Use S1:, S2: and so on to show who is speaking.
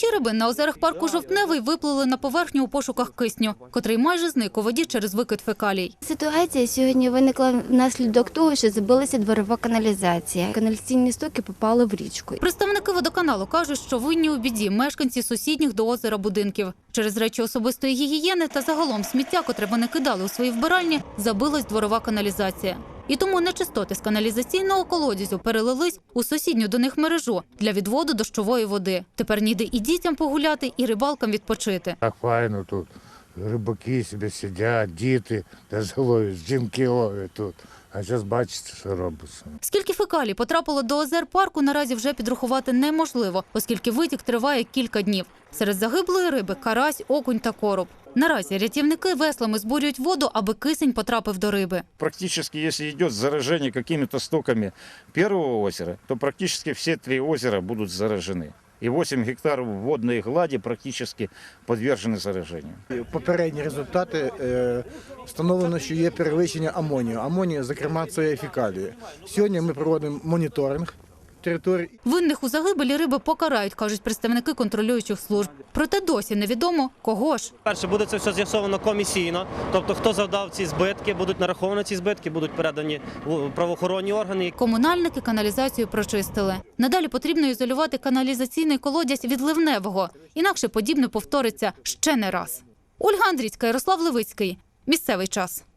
S1: Вночі риби на озерах парку Жовтневий виплили на поверхню у пошуках кисню, котрий майже зник у воді через викид фекалій.
S2: Ситуація сьогодні виникла внаслідок того, що забилася дворова каналізація. Каналізаційні стоки попали в річку.
S1: Представники водоканалу кажуть, що винні у біді мешканці сусідніх до озера будинків. Через речі особистої гігієни та загалом сміття, котре вони кидали у свої вбиральні, забилась дворова каналізація. І тому нечистоти з каналізаційного колодязю перелились у сусідню до них мережу для відводу дощової води. Тепер ніде і дітям погуляти, і рибалкам відпочити.
S3: Так файно тут. Рибаки собі сидять, діти, та зловлять, жінки ловлять тут. А зараз бачите, що робиться.
S1: Скільки фекалій потрапило до озер парку, наразі вже підрахувати неможливо, оскільки витік триває кілька днів. Серед загиблої риби – карась, окунь та короб. Наразі рятівники веслами збурюють воду, аби кисень потрапив до риби.
S4: Практически, если идет заражение какими-то стоками первого озера, то практически все 3 озера будут заражены. И 8 гектаров водной глади практически подвержены заражению.
S5: Попередні результати встановлено, що є перевищення амонію. Амонію, зокрема, це фекалії. Сьогодні ми проводимо моніторинг територій.
S1: Винних у загибелі риби покарають, кажуть представники контролюючих служб. Проте досі невідомо, кого ж.
S6: Перше, буде це все з'ясовано комісійно, тобто хто завдав ці збитки, будуть нараховані ці збитки, будуть передані в правоохоронні органи.
S1: Комунальники каналізацію прочистили. Надалі потрібно ізолювати каналізаційний колодязь від ливневого, інакше подібне повториться ще не раз. Ольга Андрійська, Ярослав Левицький. Місцевий час.